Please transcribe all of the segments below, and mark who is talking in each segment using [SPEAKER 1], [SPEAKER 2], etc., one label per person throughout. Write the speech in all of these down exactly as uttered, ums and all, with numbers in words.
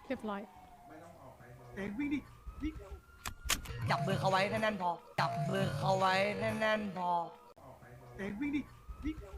[SPEAKER 1] เรียบร้อย
[SPEAKER 2] เองวิ่งดิวิ่ง
[SPEAKER 3] จับมือเขาไว้แน่นๆพอจับมือเขาไว้แน่นๆพอ
[SPEAKER 2] เองวิ่งดิวิ่ง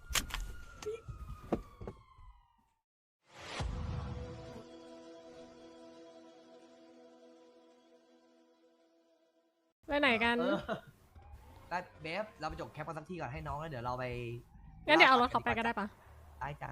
[SPEAKER 1] ไปไหนกัน
[SPEAKER 3] เออได้เบฟเราไปจบแคปกันสักที่ก่อนให้น้องแล้วเดี๋ยวเราไป
[SPEAKER 1] งั้นเดี๋ยวเอารถเขาไปก็ได้ปะ
[SPEAKER 3] ได้จ้า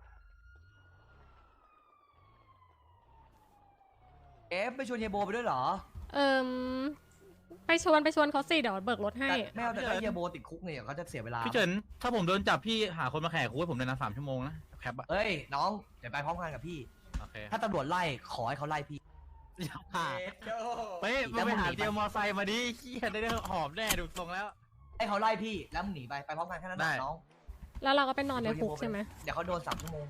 [SPEAKER 3] เอฟไปชวนเยโบไปด้วยเหรอ
[SPEAKER 1] เอิมไปชวนไปชวนเขาสิเดี๋ยวเบิกรถให้
[SPEAKER 3] แต่ไม่เอาแต่ถ้าเยโบติดคุกเนี่ยเขาจะเสียเวลา
[SPEAKER 4] พี่เฉินถ้าผมโดนจับพี่หาคนมาแข่คุกให้ผมเลยนะสามชั่วโมงนะแคปอะ
[SPEAKER 3] เอ้ยน้องเดี๋ยวไปพร้อมกันกับพี่
[SPEAKER 4] โอเค
[SPEAKER 3] ถ้าตำรวจไล่ขอให้เขาไล่พี่
[SPEAKER 4] เฮ้ยมาไปหาเตียวมอไซค์มาดิเฮียได้ได้หอมแน่ดูทรงแล้ว
[SPEAKER 3] ให้เขาไล่พี่แล้วมึงหนีไปไปพร้อมกันแค่นั้นแหละน้อง
[SPEAKER 1] แล้วเราก็ไปนอนในคุกใช่ไหม
[SPEAKER 3] เดี๋ยวเขาโดนสามชั่วโมง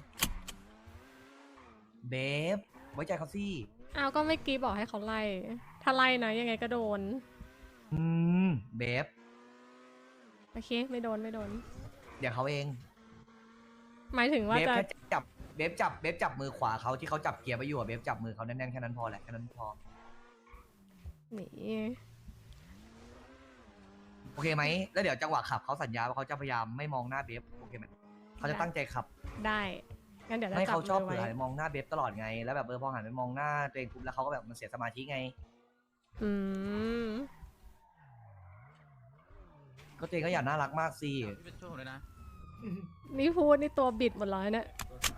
[SPEAKER 3] เบฟไว้ใจเขาสิ
[SPEAKER 1] อ้าวก็ไม่กี้บอกให้เขาไล่ ถ้าไล่นะยังไงก็โดน
[SPEAKER 3] อืมเบฟ
[SPEAKER 1] โอเคไม่โดนไม่โดน
[SPEAKER 3] เดี๋ยวเขาเอง
[SPEAKER 1] หมายถึงว่า
[SPEAKER 3] เบฟ
[SPEAKER 1] จะ
[SPEAKER 3] แค่จับเบฟจับเบฟจับมือขวาเขาที่เขาจับเกียร์ไปอยู่อะเบฟจับมือเขาแน่นๆแค่นั้นพอแหละแค่นั้นพอ
[SPEAKER 1] หนี
[SPEAKER 3] โอเคไหมแล้วเดี๋ยวจังหวะขับเขาสัญญาว่าเขาจะพยายามไม่มองหน้าเบฟโอเคไหมเขาจะตั้งใจขับ
[SPEAKER 1] ได้งั้นเดี๋ยวจะ
[SPEAKER 3] ไม่
[SPEAKER 1] จับ
[SPEAKER 3] เขาชอบ
[SPEAKER 1] มือ
[SPEAKER 3] เผื่อ
[SPEAKER 1] ไว้
[SPEAKER 3] หันมองหน้าเบฟตลอดไงแล้วแบบเออพอหันไปมองหน้าตัวเองปุ๊บแล้วเขาก็แบบมันเสียสมาธิไง
[SPEAKER 1] อืม
[SPEAKER 3] ก็ตัวเองก็อยากน่ารักมากสิ
[SPEAKER 4] พี่เป็นช่วยผมเลยนะ
[SPEAKER 1] นี่พูดนี่ตัวบิดหมดเลยเนี่ย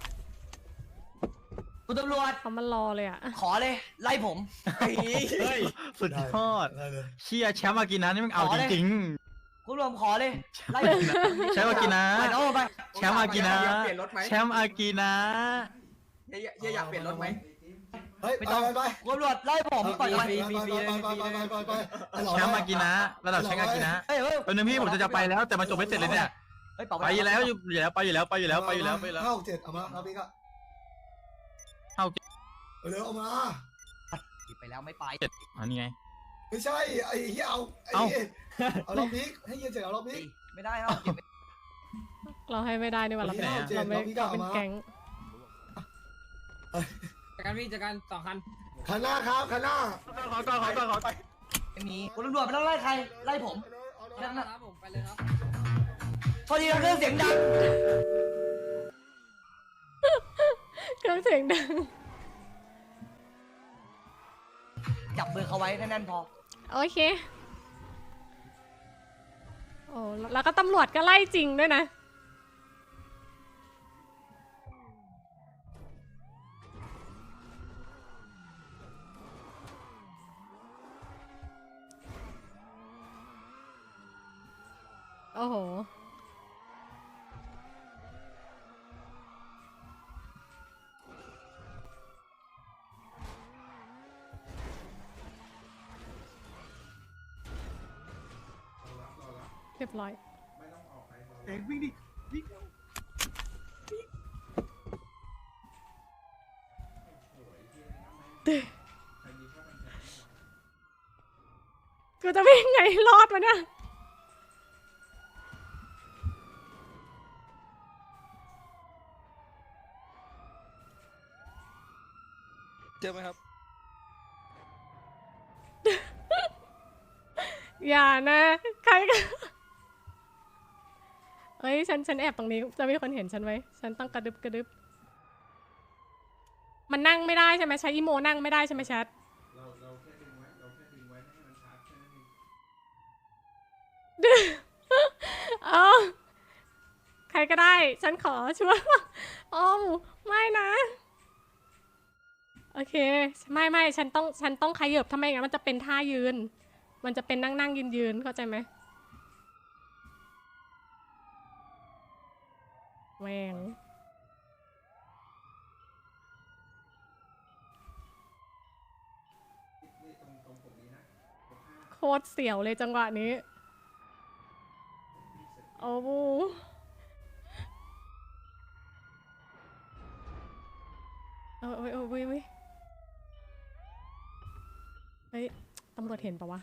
[SPEAKER 3] คุณตำรวจ
[SPEAKER 1] เขามารอเลยอ่ะ
[SPEAKER 3] ขอเลยไล่ผม
[SPEAKER 4] เฮ้ยสุดยอด
[SPEAKER 2] ได้เลย
[SPEAKER 4] เชียแชมป์มากินนะนี่มันเอาจริง
[SPEAKER 3] คุณรวมขอเลยไล่ผม
[SPEAKER 4] ๆแชมป์มากินนะ
[SPEAKER 3] ไปน้องลงไป
[SPEAKER 4] แชมป์อากินะ
[SPEAKER 5] อยากเปลี่ยนรถไหม
[SPEAKER 4] แชมป์อากินะ
[SPEAKER 5] เฮียเฮียอยากเปลี่ยนรถไหม
[SPEAKER 2] เฮ้ย
[SPEAKER 3] ไม่
[SPEAKER 2] ไป
[SPEAKER 3] ต้อง
[SPEAKER 2] ไปไป
[SPEAKER 3] คุณตำรวจไล่ผมปล่อยไป
[SPEAKER 2] ไปไปไปไปไปไปไป
[SPEAKER 4] แชมป์อากินะระดับแชมป์อากินะ
[SPEAKER 3] เฮ้ยเฮ้ย
[SPEAKER 4] เป็นนึงพี่ผมจะจะไปแล้วแต่มันจบไม่เสร็จเลยเนี่ย
[SPEAKER 3] เฮ้ยเป่า
[SPEAKER 4] ไปอยู่แล้วอยู่แล้วไปอยู่แล้วไปอยู่แล้วไปอยู่แล้วไปแล้ว
[SPEAKER 2] เข้าเจ็ดเอามาเอาพี่ก็
[SPEAKER 4] เข้า
[SPEAKER 2] เร็วเอามา
[SPEAKER 3] ไปแล้วไม่ไป
[SPEAKER 4] เจ็ดอันนี้ไง
[SPEAKER 2] ไม่ใช่ไอ้เหี้ยเอาไอ้
[SPEAKER 4] เอ้า
[SPEAKER 2] เอารอบนี้ให้เย็นเสร็จเอารอบนี้
[SPEAKER 3] ไม่ได้ครับ
[SPEAKER 1] เราให้ไม่ได้นี่หว่าเรา
[SPEAKER 4] ไป
[SPEAKER 1] เป็น
[SPEAKER 4] ไหนอะ
[SPEAKER 1] เราไม่
[SPEAKER 2] เราพี่ก็
[SPEAKER 1] เรา
[SPEAKER 2] เอา
[SPEAKER 1] เป็น
[SPEAKER 2] มา
[SPEAKER 1] แก๊ง
[SPEAKER 5] จากการพี่จากการสองคัน
[SPEAKER 2] คันหน้าครับคันหน้า
[SPEAKER 4] ขอก่อนขอก่อนขอก่อน
[SPEAKER 3] ไม่มีคุณตำรวจไม่ต้องไล่ใครไล่ผม
[SPEAKER 5] ครับผมไปเลยครับ
[SPEAKER 3] โทษทีนะเครื่องเสียงดัง
[SPEAKER 1] เครื่องเสียงดัง
[SPEAKER 3] จับมือเขาไว้แน่นๆพอ
[SPEAKER 1] โอเคโอ้แล้วก็ตำรวจก็ไล่จริงด้วยนะโอ้โหเรียบร้อย
[SPEAKER 2] เองวิ่งดิวิ่ง
[SPEAKER 1] กูจะวิ่งไงรอดวะเนี่ย
[SPEAKER 5] เจอไหมครับ
[SPEAKER 1] อย่านะใครกันเอ้ยฉันฉันแอบตรงนี้จะมีคนเห็นฉันไว้ฉันต้องกระดึบกระดึบมันนั่งไม่ได้ใช่ไหมใช้อีโมนั่งไม่ได้ใช่ไหมแชทเราเราแค่ดึงไว้เราแค่ดึงไว้ไม่ให้มันชาร์จแค่นั้นเองเออใครก็ได้ฉันขอช่วยโอ้ไม่นะโอเคไม่ไม่ฉันต้องฉันต้องขยับทำไมงั้นมันจะเป็นท่ายืนมันจะเป็นนั่งนั่งยืนยืนเข้าใจไหมแหวงโคตรเสียวเลยจังหวะนี้โอ้โหเออเออเออเว้ยเว้ยเฮ้ยตำรวจเห็นปะวะ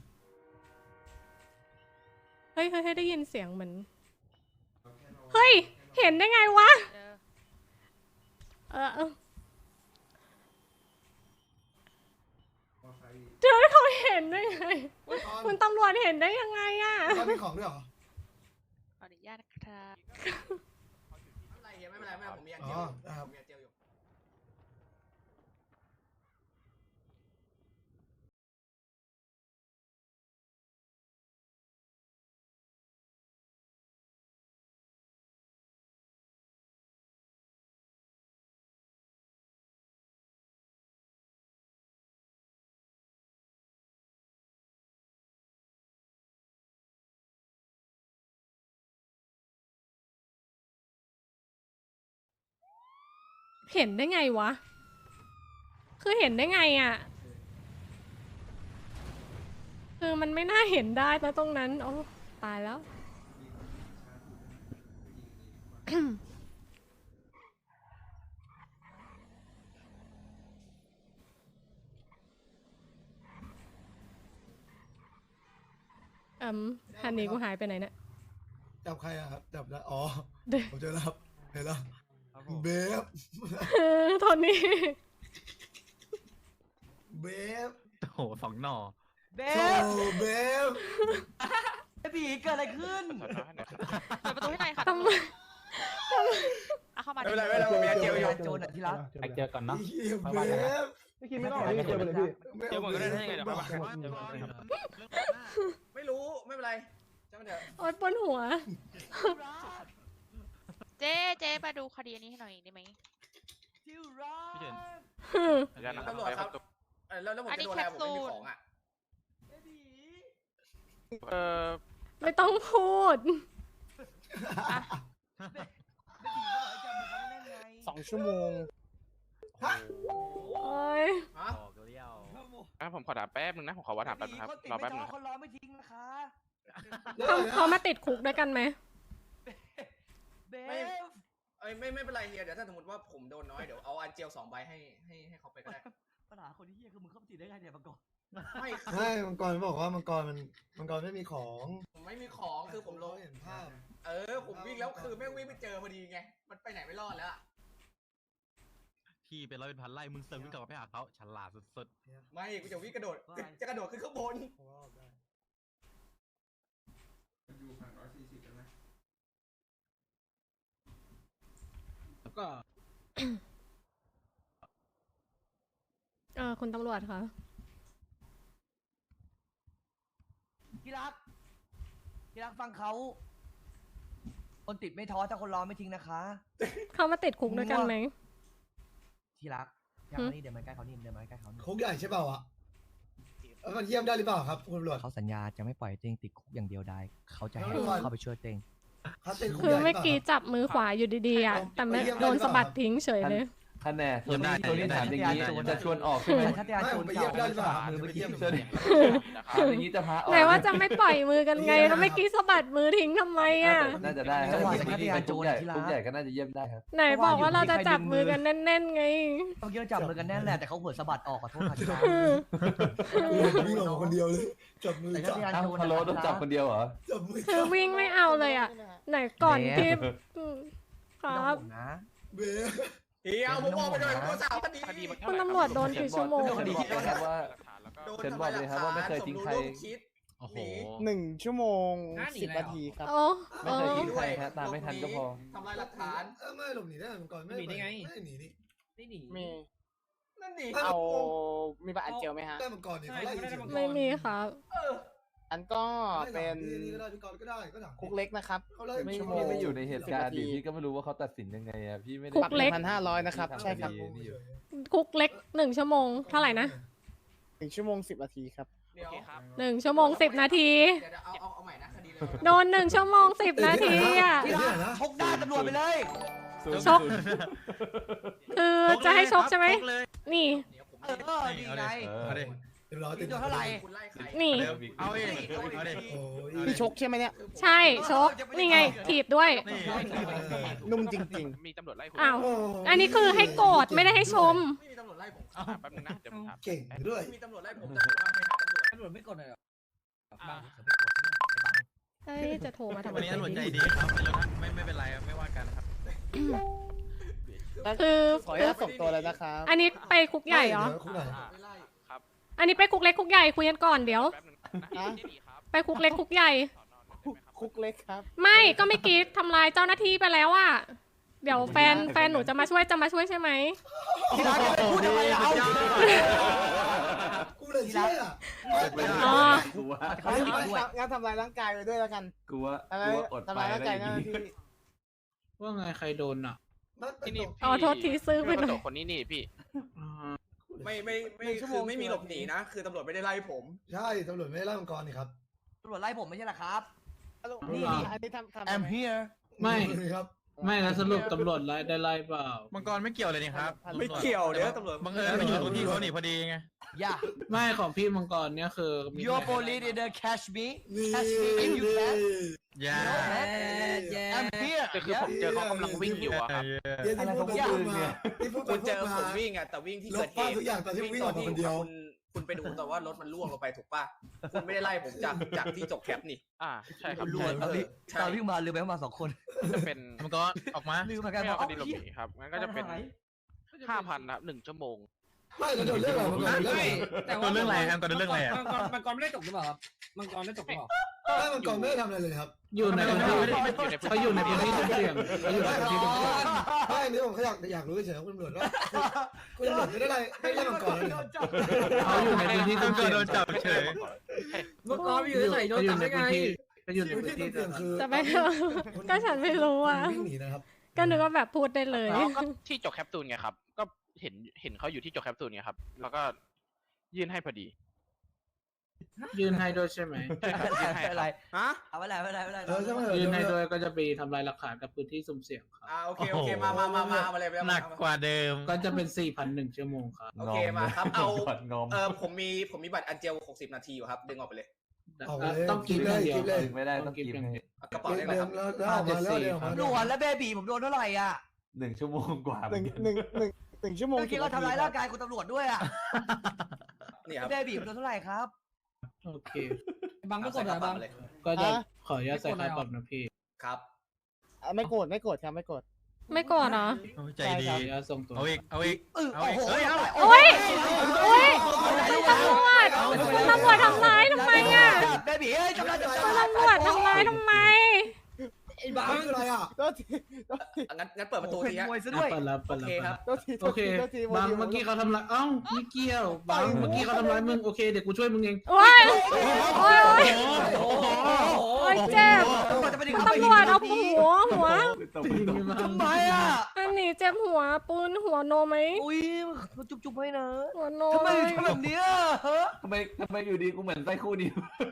[SPEAKER 1] เฮ้ยเฮ้ยได้ยินเสียงเหมือนเฮ้ยเห็นได้ไงวะเออเออเห็นได้ไง
[SPEAKER 2] ก่อน
[SPEAKER 1] คุณตำรวจเห็นได้ยังไงอะ
[SPEAKER 2] ก่อนมีของด้วยเหรอ
[SPEAKER 6] ขออนุญาตนะครับ
[SPEAKER 5] ไม่เป็นไรเฮียไม่เป็นไรไม่เป็นไรผมมีอัน
[SPEAKER 2] อ๋
[SPEAKER 5] เจ
[SPEAKER 2] อ
[SPEAKER 5] ลอยู่
[SPEAKER 2] ได้ครับ
[SPEAKER 5] ผมมีอันเจลอยู่
[SPEAKER 1] เห็นได้ไงวะ คือเห็นได้ไงอะคือมันไม่น่าเห็นได้นะตรงนั้นโอ้ตายแล้ว อืมฮันนี่กูหายไปไหนเนี่ย
[SPEAKER 2] จับใครอะครับจับแล้วอ๋อ
[SPEAKER 1] เด้อ
[SPEAKER 2] ผมเจอแล้วครับเห็นแล้วเบฟ
[SPEAKER 1] โทนี่
[SPEAKER 2] เบฟ
[SPEAKER 4] โอ้โหสองหน่อ
[SPEAKER 3] เบ
[SPEAKER 2] โธ่
[SPEAKER 3] ฟ
[SPEAKER 2] เบฟ
[SPEAKER 3] ไอ้บีเกิดอะไรขึ้น
[SPEAKER 6] เปิดประตูให้หน่อยค่ะ
[SPEAKER 1] ทำไม
[SPEAKER 6] เอาเข้ามา
[SPEAKER 5] ไม่เป็นไรไม่เป็นไรผมมีอันเจลอยู่
[SPEAKER 3] โจรอะที่รัก
[SPEAKER 7] ไปเจอก่อนเนาะ
[SPEAKER 2] เฮียเบฟ
[SPEAKER 7] ไม่คิดไม่ต้องพี่เจอไปเลยพี่
[SPEAKER 5] เจลหมดก็ได้ให้ไงเดี๋ยวค่อยมาไม่รู้ไม่เป็นไรจำเดี๋ยว
[SPEAKER 1] โอ๊ยปวดหัว
[SPEAKER 6] เจ๊เจ๊มาดูคดีอันนี้ให้หน่อยได้ไหม
[SPEAKER 3] ที่รัก
[SPEAKER 4] พี่เฉิน
[SPEAKER 5] ตำรวจครับเออแล้วแล้วผมจะโดนอะไรผมไม่มีของอ่ะ
[SPEAKER 3] ไอ้บี
[SPEAKER 8] เออ
[SPEAKER 1] ไม่ต้องพูด
[SPEAKER 3] ไอ้บีก็บอกให้จำมันเขาไม่เล่นไง
[SPEAKER 7] สองชั่วโมง
[SPEAKER 1] โอ๊ย
[SPEAKER 5] ฮะ
[SPEAKER 4] ออกเลี้ยว
[SPEAKER 8] อ่ะผมขอถามแป๊บนึงนะ ผมขอว่าถามแป๊บนึงครับ
[SPEAKER 3] คนติด
[SPEAKER 8] รอ
[SPEAKER 3] ไม่
[SPEAKER 8] แป๊บนึ
[SPEAKER 3] ท้อง
[SPEAKER 8] ง
[SPEAKER 3] คนรอไม่ทิ้งนะคะ
[SPEAKER 1] เขาเขามาติดคุกด้วยกันไหม
[SPEAKER 3] เบ
[SPEAKER 5] ไม่
[SPEAKER 3] ฟ
[SPEAKER 5] เอ้ยไม่ไม่เป็นไรเฮียเดี๋ยวถ้าสมมติว่าผมโดนน้อยเดี๋ยวเอาอันเจลสองใบให้ให้ให้เขาไปก็ได้
[SPEAKER 3] ปัญหาคนที่เฮียคือมึงเข้าไปติดได้ไงเนี่ยมาก่อน
[SPEAKER 5] ไม่
[SPEAKER 2] ใช่มังกรบอกว่ามังกรมันมังกรไม่มีของ
[SPEAKER 5] ผมไม่มีของคือผมลง
[SPEAKER 2] เห็นภาพ
[SPEAKER 5] เออผมวิ่งแล้วคือแม่งวิ่งไปเจอพอดีไงมันไปไหนไม่รอดแล้ว
[SPEAKER 4] พี่เป็นร้อยเป็นพันไล่มึงเซิร์ฟวิ่งกลับมาไปหาเขาฉลาดสุด
[SPEAKER 5] ไม่กูจะวิ่งกระโดดจะจะกระโดดขึ้นข้างบน
[SPEAKER 2] เพราะว่าได้
[SPEAKER 7] ก็
[SPEAKER 1] เออคุณตำรวจคะ
[SPEAKER 3] ที่รักที่รักฟังเขาคนติดไม่ท้อถ้าคนรอไม่ทิ้งนะคะ
[SPEAKER 1] เขามาติดคุกด้วยกันไหม
[SPEAKER 3] ที่รักอยากมานี่เดินมาใกล้เขานี่เดินมาใกล้เขานี่
[SPEAKER 2] คุกใหญ่ใช่เปล่าอะแล้วมันเยี่ยมได้หรือเปล่าครับคุณตำรวจ
[SPEAKER 3] เขาสัญญาจะไม่ปล่อยเต้งติดคุกอย่างเดียวได้ เขาจะให้
[SPEAKER 2] แล้วก่อน
[SPEAKER 3] เข้าไปช่วยเต้ง
[SPEAKER 2] เขาเป็นคุก
[SPEAKER 1] คือ
[SPEAKER 2] ใหญ่หรื
[SPEAKER 1] เมื่อ
[SPEAKER 2] เปล่า
[SPEAKER 1] กี้
[SPEAKER 2] ครับ
[SPEAKER 1] จับมือขวาอยู่ดีๆอ่ะ แต่ไม่โดนสะบัดทิ้งเฉยเลย
[SPEAKER 7] ท่านแน่
[SPEAKER 3] เยี่ยมได้
[SPEAKER 7] ตัวนี้ถามอย่างนี้จะชวนออกใช่ไหม
[SPEAKER 3] ถ้าที่อาโจร
[SPEAKER 2] ไม่
[SPEAKER 3] เก่า
[SPEAKER 2] ไปเยี่ยมได้หรือเปล่า
[SPEAKER 3] มือไปยิ้ม
[SPEAKER 7] เชิญถามอย่างนี้จะพาออก
[SPEAKER 1] ไหนว่าจะไม่ปล่อยมือกันไง แล้วเมื่อกี้สะบัดมือทิ้งทำไมอ่ะ
[SPEAKER 7] น่าจะได้ค
[SPEAKER 3] จั
[SPEAKER 7] รับ
[SPEAKER 3] งหวะจากที่อาโจร
[SPEAKER 7] ใหญ่
[SPEAKER 3] ที่รั
[SPEAKER 7] ทุกใหญ่ก็น่าจะเยี่ยมได้ครับ
[SPEAKER 1] ไหนบอกว่าเราจะจับมือกันแน่นๆไง
[SPEAKER 3] ต้องเกี่ยวจับมือกันแน่นแหละแต่เขาเผลอสะบัดออกขอโทษค่ะที่รัก
[SPEAKER 2] วิ่งออกมาคนเดียวเลยจับมือ
[SPEAKER 3] แต่
[SPEAKER 2] จั
[SPEAKER 3] ถ้า
[SPEAKER 2] บ
[SPEAKER 3] ที่อา
[SPEAKER 7] อ้าว
[SPEAKER 3] โจร
[SPEAKER 7] พะโล้ต้องจับคนเดียวเหรอ
[SPEAKER 2] จับมือ
[SPEAKER 1] คื
[SPEAKER 2] จั
[SPEAKER 1] อบ วิ่งไม่เอาเลยอ่ะ ไหนก่อนที่อืมค
[SPEAKER 3] ไม่
[SPEAKER 1] รั
[SPEAKER 3] ต้อง
[SPEAKER 1] บ
[SPEAKER 3] ห่วงนะ
[SPEAKER 2] เบฟ
[SPEAKER 5] เฮียเอาผมออกไปเลยตัวสาวคดี
[SPEAKER 8] คดีมัน
[SPEAKER 1] คุณตำรวจโดนกี่ชั่วโมง
[SPEAKER 7] เชิญบอกเลยครับว่า
[SPEAKER 8] แล้วก็
[SPEAKER 5] โดน
[SPEAKER 7] เชิญบอกเลยครับว่าไม่เคยทิ้งใคร
[SPEAKER 5] สมรู้ร่วมคิด
[SPEAKER 4] ๆ โอ้โห
[SPEAKER 7] หนึ่งชั่วโมง
[SPEAKER 5] ห้าหนี
[SPEAKER 7] สิบ
[SPEAKER 5] เลยเหรอ
[SPEAKER 7] นาทีครับ
[SPEAKER 1] โอ้
[SPEAKER 7] ไม่
[SPEAKER 1] โอ้
[SPEAKER 7] เคยทิ้งใครฮะตามไม่ทันก็พอ
[SPEAKER 5] ทำลายหลักฐาน
[SPEAKER 2] เออไม่หลบหนีได้มังกรไม่
[SPEAKER 5] หนีได้ไง
[SPEAKER 2] ไม่หนีนี่
[SPEAKER 5] ไม่หนี
[SPEAKER 7] มี
[SPEAKER 5] นั่นดิ
[SPEAKER 7] เอามีบัตรอันเจลไหมฮะ
[SPEAKER 2] ได้มังกรนี่เขาไล่เฉยๆ
[SPEAKER 1] ไม่มีครับ
[SPEAKER 5] เออ
[SPEAKER 7] อันก็เป็น
[SPEAKER 2] นี่ก็ได้พี่กรก็ได้ก็ถาม
[SPEAKER 7] คุกเล็กนะครับ
[SPEAKER 2] เขาไล่
[SPEAKER 7] ไม่
[SPEAKER 2] ชั่วโม
[SPEAKER 7] พี่
[SPEAKER 2] ง
[SPEAKER 7] ไม่อยู่ในเหตุการณ์ดิพี่ก็ไม่รู้ว่าเขาตัดสินยังไงอ่ะพี่ไม่ได้
[SPEAKER 1] คุกเล็ก
[SPEAKER 7] พันห้าร้อยนะครับใช่ครับ
[SPEAKER 2] นี่อยู่
[SPEAKER 1] คุกเล็กหนึ่งชั่วโมง เท่าไหร่นะ
[SPEAKER 7] หนึ่งชั่วโมงสิบนาทีครับ
[SPEAKER 5] เดี๋ยว
[SPEAKER 1] หนึ่งชั่วโมงสิบนาที
[SPEAKER 5] เดี๋ยวเอาเอาเอาใหม่นะคดีเลย
[SPEAKER 1] โดนหนึ่งชั่วโมงสิบนาทีอ่ะ
[SPEAKER 2] ที่ไหนนะ
[SPEAKER 3] ชกด้านตำรวจไปเลย
[SPEAKER 1] ชก คือจะให้ชกใช่ไหม นี่
[SPEAKER 5] เดี๋ยวผม
[SPEAKER 3] เออดีไง
[SPEAKER 4] เอาดิ
[SPEAKER 2] เดี๋ยวรอติด
[SPEAKER 3] โดนเท่าไหร่
[SPEAKER 5] คุณไล่ใคร
[SPEAKER 1] นี่
[SPEAKER 4] เอาดิเอาดิ
[SPEAKER 2] โอ้ย
[SPEAKER 7] พี่ชกใช่ไหมเนี่ย
[SPEAKER 1] ใช่ชก นี่ไง ถีบด้วย
[SPEAKER 4] นี่
[SPEAKER 7] นุ่มจริง
[SPEAKER 8] มีตำรวจไล่คุณ
[SPEAKER 1] อ้าว อันนี้คือให้โกรธไม่ได้ให้ชม
[SPEAKER 5] ไม่มีตำรวจไล่ผม
[SPEAKER 8] อ่ะแป๊บนึงนะ เดี๋ยวผมถาม
[SPEAKER 2] เก่งด้วย
[SPEAKER 5] ไม่มีตำรวจไล่ผมแต่ผมว่าไปหาตำรวจ
[SPEAKER 3] ตำรวจไม่กดเลยเหรอ
[SPEAKER 8] อ่ะ
[SPEAKER 1] เฮ้ย จะโทรมาทำไม
[SPEAKER 4] วันนี้ตำรวจใจดีครับไม่ไม่ไม่เป็นไรครับไม่ว่ากันนะครับ
[SPEAKER 7] ๆ
[SPEAKER 1] คือ
[SPEAKER 7] ขออนุญาตส่งตัวเลยนะครับ
[SPEAKER 1] อันนี้ไปคุกใหญ่เหรอ
[SPEAKER 2] คุกไหน
[SPEAKER 8] อ่ะ
[SPEAKER 5] ไม่ไล่
[SPEAKER 8] ครับ
[SPEAKER 1] อันนี้ไปคุกเล็กคุกใหญ่คุยกันก่อนเดี๋ยว
[SPEAKER 8] แป๊บนึงนะเจดีครับ
[SPEAKER 1] ไปคุกเล็กคุกใหญ่
[SPEAKER 7] คุกเล็กครับ
[SPEAKER 1] ไม่ก็ไม่กี้ทำลายเจ้าหน้าที่ไปแล้วอะเดี๋ยวแฟนแฟนหนูจะมาช่วยจะมาช่วยใช่ไหม
[SPEAKER 3] ที่รักจะไปพูดทำไมเรา
[SPEAKER 2] กูเลยเชื่อ
[SPEAKER 1] อ๋อ
[SPEAKER 7] กูว่า
[SPEAKER 3] เขาไม่ด้วย
[SPEAKER 7] งั้นทำลายร่างกายไปด้วยแล้วกัน
[SPEAKER 9] กูว่า
[SPEAKER 7] ทำลาย
[SPEAKER 9] กูว่าอด
[SPEAKER 7] ทำ
[SPEAKER 9] ไป
[SPEAKER 7] ลายร่าง
[SPEAKER 9] แล้ว
[SPEAKER 7] กายเจ้าหน้าที่
[SPEAKER 10] ว่าไงใครโดนอ่ะ
[SPEAKER 2] มันเป็น
[SPEAKER 8] ที่นี่
[SPEAKER 1] อ๋อโทษทีซื้อไป
[SPEAKER 8] พี่
[SPEAKER 1] หน่อย
[SPEAKER 8] โตคนนี้นี่พี่
[SPEAKER 10] อ่า
[SPEAKER 5] ไม่ไม่ไม่คือไม่มีหลบหนีนะ คือตำรวจไม่ได้ไล่ผม
[SPEAKER 2] ใช่ตำรวจไม่ได้ไล่มังกรนี่ครับ
[SPEAKER 3] ตำรวจไล่ผมไม่ใช่เหรอครับ
[SPEAKER 7] นี่นี่อันนี้ทำทำ
[SPEAKER 3] I'm here
[SPEAKER 10] ไม่
[SPEAKER 2] นี่ครับ
[SPEAKER 10] ไม่แล้วสรุปตำรวจไล่ได้ไล่เปล่า
[SPEAKER 4] มังกรไม่เกี่ยวเลยนี่ครับ
[SPEAKER 5] ไม่เกี่ยวเดี๋ยวตำรวจ
[SPEAKER 4] บังเอิญไปอยู่ตรงที่เขาหนีพอดีไง
[SPEAKER 3] อย่า
[SPEAKER 10] ไม่ของพี่มังกรเนี่ยคือมี
[SPEAKER 3] Your police in the catch me
[SPEAKER 2] นี่
[SPEAKER 3] catch me if you can
[SPEAKER 4] อย่า
[SPEAKER 3] No man I'm here
[SPEAKER 8] แต่คือผมเจอเขากำลังวิ่งอยู่อะครับ
[SPEAKER 2] เดี๋ยวที่พูดไปพูดมาที่พูดไป
[SPEAKER 5] คุณ
[SPEAKER 2] พู
[SPEAKER 5] เจ
[SPEAKER 2] ด
[SPEAKER 5] อ
[SPEAKER 2] มา
[SPEAKER 5] ผมวิ่งอะแต่วิ่งที่เกิดเห
[SPEAKER 2] ลบ
[SPEAKER 5] ตุ
[SPEAKER 2] ภาพทุกอย่างตอนที่วิ่งออกมาคนเดียว
[SPEAKER 5] คุณคุณไปดูแต่ว่ารถมันล่วงลงไปถูกป่ะ คุณไม่ได้ไล่ผมจากจากที่จบแคปนี่
[SPEAKER 8] อ่าใช่ครับ
[SPEAKER 3] รวด
[SPEAKER 5] เอ
[SPEAKER 3] ตอน
[SPEAKER 5] อ
[SPEAKER 3] ที่
[SPEAKER 5] ใช่
[SPEAKER 3] ตอนวิ่งมาลืมไปว่ามาสองคน
[SPEAKER 8] จะเป็น
[SPEAKER 4] มังกรออกมา
[SPEAKER 3] ลืมเหมือนกัน
[SPEAKER 8] ไม่
[SPEAKER 3] ว่า
[SPEAKER 8] เอาค
[SPEAKER 3] เอ้า
[SPEAKER 8] ดีหลบหนีครับงั้นก็จะเป็นห้าพันนะครับหนึ่งชั่วโมง
[SPEAKER 2] ไม่แล้วโดนเรื่องอะไรมังกรโดนเรื่องอะไร
[SPEAKER 4] ตัวเรื่องอะไรแอมตัวเรื่องอะไรอ่ะ
[SPEAKER 11] มังกรมังกรไม่ได้จบหรือเปล่าครับมังกรได้จบหรือเปล่า
[SPEAKER 2] ไม่มังกรไม่ได้ทำอะไรเลยครับ
[SPEAKER 10] อยู่ในพื้นที่
[SPEAKER 8] ไม่ได้ไม่ได้
[SPEAKER 10] เขาอยู่ในพื้นที่สุ่มเสี่ยงเขาอยู่ในพื้นที่สุ่มเสี่ยง
[SPEAKER 2] ไม่อันนี้ผมแค่อยากอยากรู้เฉยๆคุณตำรวจว่าคุณตำรวจไม่ได้ไล่ไม่ได้ไล่มังกรเลยครับ
[SPEAKER 10] เขาอยู่ในพื้นที่
[SPEAKER 4] มั
[SPEAKER 10] สุ่
[SPEAKER 4] ง
[SPEAKER 10] ม
[SPEAKER 4] ก
[SPEAKER 10] เสี่
[SPEAKER 4] ร
[SPEAKER 10] ยง
[SPEAKER 4] โดนจับเฉย
[SPEAKER 11] มังกรไปอยู่เฉยๆโดนจับได้ไง
[SPEAKER 10] เขาอยู่ใน
[SPEAKER 2] พื้น
[SPEAKER 10] พื้น
[SPEAKER 2] ที่
[SPEAKER 10] ที่
[SPEAKER 2] เสี่ยงคือ
[SPEAKER 1] จะไปก็ฉันไม่รู้อ่ะ
[SPEAKER 2] วิ่งหนีนะครับ
[SPEAKER 1] ก็นึกว่าแบบพูดได้เลย
[SPEAKER 8] แล้วก็ที่จบแคปซูลไงครับ ก็เห็นเห็นเขาอยู่ที่จบแคปซูลไงครับ แล้วก็ยื่นให้พอดี
[SPEAKER 10] ยืนให้ด้วยใช่ไหม
[SPEAKER 8] ใช่ครับยื่นให้
[SPEAKER 3] ไม่เป็นไร
[SPEAKER 5] ฮะ
[SPEAKER 3] เอาไม่เป็นไรไม่เป็นไรไม่เป็นไร
[SPEAKER 2] เออใช่ไหม
[SPEAKER 10] ยืนให้ด้วยก็จะไปทำลายหลักฐานกับพื้นที่สุ่มเสี่ยงครับ
[SPEAKER 5] อ่าโอเคโอเคมามามามาเอามาเลยเอา
[SPEAKER 4] ห
[SPEAKER 5] มา
[SPEAKER 4] นักกว่าเดิม
[SPEAKER 10] ก็จะเป็น สี่พันหนึ่ง ชั่วโมงครับ
[SPEAKER 5] โอเคมาครับเอา
[SPEAKER 9] กดงอม
[SPEAKER 5] เออผมมีผมมีบัตรอันเจลหกสิบนาทีอยู่ครับดึงออกไปเลย
[SPEAKER 2] ออกมาเลย
[SPEAKER 10] ต้องกินอย่างเดียว
[SPEAKER 2] กินเลย
[SPEAKER 9] ดึงไม่ได้ต้องกินให้
[SPEAKER 5] เอากระเป๋า
[SPEAKER 2] เดิ
[SPEAKER 5] ได้
[SPEAKER 2] น
[SPEAKER 5] เลยครับ
[SPEAKER 2] แล้วออกมาแล้วเดินออกมา
[SPEAKER 3] ตำรวจและเบบีผมโดนเท่าไหร่อ่ะ
[SPEAKER 9] หนึ่งชั่วโมงกว่า
[SPEAKER 7] หนึ่งหนึ่งหนึ่งหนึ่งชั่วโมง
[SPEAKER 3] เมื่อกี้เขาทำร้ายร่างกายคุณตำรวจด้วยอ่ะ
[SPEAKER 5] นี่ครับ
[SPEAKER 3] เบบีผมโดนเท่าไหร่ครับ
[SPEAKER 10] โอเค
[SPEAKER 11] บังไม่กดเหรอบัง
[SPEAKER 5] เลย
[SPEAKER 10] ก็จะขออนุญาตใส่ค่าปรับนะพี่
[SPEAKER 5] ครับ
[SPEAKER 7] อ่ะไม่โกรธไม่โกรธครับไม่โกรธ
[SPEAKER 1] ไม่ก่อนเหรอ
[SPEAKER 4] โอ้ยใจดี
[SPEAKER 10] ขออนุญาตส่งตัว
[SPEAKER 4] เอาอีก เอาอีก
[SPEAKER 3] เออ
[SPEAKER 4] เอา
[SPEAKER 3] โอ้
[SPEAKER 4] อีก
[SPEAKER 3] โห
[SPEAKER 4] เฮ้ยเอา
[SPEAKER 1] โอ๊ย โอ๊ยคุณตำรวจคุณตำรวจทำร้ายทำไมอ่ะ
[SPEAKER 3] เบบีเอ้ยทำร้าย
[SPEAKER 1] คุณตำรวจทำร้ายทำไม
[SPEAKER 11] ไอ้บัง
[SPEAKER 2] คืออะไรอ่ะ
[SPEAKER 7] โทษทีโทษที
[SPEAKER 5] งั้นงั้นเปิดประตู
[SPEAKER 3] เป็น
[SPEAKER 5] ทีฮะ
[SPEAKER 3] มวยซะ
[SPEAKER 10] อ่ะ
[SPEAKER 3] ด้วย
[SPEAKER 10] เปิดแล้วเปิดแล้ว
[SPEAKER 5] โอเค
[SPEAKER 10] เปิด
[SPEAKER 5] ครั
[SPEAKER 10] แล้
[SPEAKER 5] บ
[SPEAKER 10] ว
[SPEAKER 7] โทษที
[SPEAKER 10] โอเค
[SPEAKER 7] โทษที
[SPEAKER 10] บางเมื่อกี้เขาทำร้ายเอ้าไม่เกี่ยวบางเมื่อกี้เขาทำร้ายมึงโอเคเดี๋ยวกูช่วยมึงเอง
[SPEAKER 1] โอ๊ย โอ๊ย โอ๊ย
[SPEAKER 3] โอ้โห
[SPEAKER 1] โอ๊ยเจ็บ
[SPEAKER 3] ตำรวจจะไปดึง
[SPEAKER 1] คุณตำรวจเอาหัวหัว
[SPEAKER 3] ทำไมอ่ะ
[SPEAKER 1] อันนี้เจ็บหัวปืนหัวโนไหม
[SPEAKER 3] อุ้ยมันจุ๊บๆให้นะ
[SPEAKER 1] หัวโน
[SPEAKER 3] ทำไม
[SPEAKER 1] เลย
[SPEAKER 3] ทำแบบเนี้ยฮะ
[SPEAKER 9] ทำไมทำไมอยู่ดีกูเหมือนไส้คู่นี้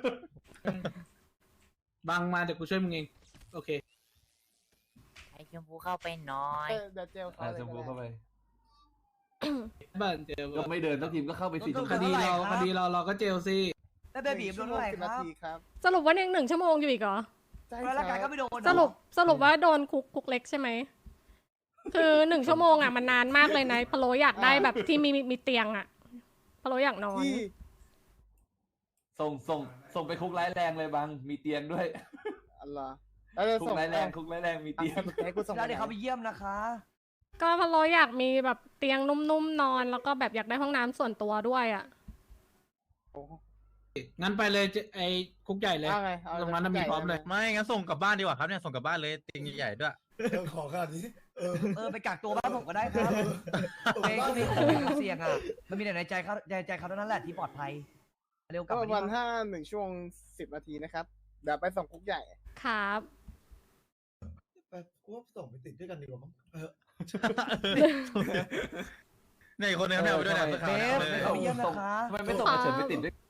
[SPEAKER 10] บางมาเดี๋ยวกูช่วยมึงเองโอเค
[SPEAKER 12] ไอ้ชมพูเข้าไปหน่อย
[SPEAKER 7] เออเดี๋ยวเจลเขา
[SPEAKER 9] อ่ะ
[SPEAKER 7] เลย
[SPEAKER 9] ชมพู
[SPEAKER 7] ก็
[SPEAKER 9] เข้า
[SPEAKER 7] ได้
[SPEAKER 9] ไป
[SPEAKER 10] บ้านเจล
[SPEAKER 9] ก็ไม่เดินสักทีมก็เข้าไปสิ
[SPEAKER 10] คดีเราคดีเราเราก็เจลสิ
[SPEAKER 3] แล้วเบบีโดนเท่าไหร่
[SPEAKER 7] สิบ
[SPEAKER 3] ค
[SPEAKER 7] นา
[SPEAKER 3] รับ
[SPEAKER 7] ทีครับ
[SPEAKER 1] สรุปว่ายังหนึ่งชั่วโมงอยู่อีกเหรอ
[SPEAKER 7] ใช่
[SPEAKER 3] แล้วร่างกาย
[SPEAKER 7] ค
[SPEAKER 3] ก็
[SPEAKER 7] รับ
[SPEAKER 3] ไม่โดน
[SPEAKER 1] สรุปสรุปว่าโดนคุกคุกเล็กใช่ไหม คือหนึ่งชั่วโมงอ่ะมันนานมากเลยนะพะโลอยากได้แบบที่มีมีมีเตียงอ่ะพะโลอยากนอน
[SPEAKER 7] ที่
[SPEAKER 9] ส่งส่งส่งไปคุกร้ายแรงเลยบังมีเตียงด้วย
[SPEAKER 7] อะไรแล้วจะ
[SPEAKER 9] คุก
[SPEAKER 7] ส่ง
[SPEAKER 9] ร้ายแรงคุกร้ายแรงมี
[SPEAKER 7] อ่ะ
[SPEAKER 9] เตียง
[SPEAKER 7] สรุปให้กูส่ง
[SPEAKER 3] แล้วเดี๋ยวเขาไปเยี่ยมนะคะ
[SPEAKER 1] ก็พะโลอยากมีแบบเตียงนุ่มๆนอน แล้วก็แบบอยากได้ห้องน้ำส่วนตัวด้วยอ่ะ
[SPEAKER 10] งั้นไปเลยเจไอ้คุกใหญ่เลย
[SPEAKER 7] เอาไงเอา
[SPEAKER 10] ตรงนั้นน่ะมีพร้อมเลย
[SPEAKER 4] ไม่งั้นส่งกลับบ้านดีกว่าครับเนี่ยส่งกลับบ้านเลยเตียงใหญ่ๆด้วย
[SPEAKER 2] เดี๋ยวขอขนาดนี้เออ
[SPEAKER 3] เออไปกักตัวบ้านผมก็ได้ครับ
[SPEAKER 2] เออ
[SPEAKER 3] เองก็มีคนเป็นเสี่ยงอ่ะ มันมีแต่ในใจเขาในใจเขาเท่านั้นแหละที่ปลอดภัย เร็วกลั
[SPEAKER 7] ก็
[SPEAKER 3] บ
[SPEAKER 7] ป
[SPEAKER 3] มา
[SPEAKER 7] ระมาณ
[SPEAKER 3] ที่
[SPEAKER 7] ห้าหนึ่งช่วงสิบนาทีนะครับเดี๋ยวไปส่งคุกใหญ่
[SPEAKER 1] ครับ
[SPEAKER 2] ไปกูว่าส่งไปติดด้วยกันดีกว่ามั้งเออ
[SPEAKER 4] เนี่ยอีกคนนึงไม่เอาไปด้วยนะ
[SPEAKER 9] เออ
[SPEAKER 3] เบฟ
[SPEAKER 4] เลย
[SPEAKER 3] เขาไปเยี่ยมนะคะ
[SPEAKER 9] ทำไมไม่ส่งมาเฉินไปติดด้วย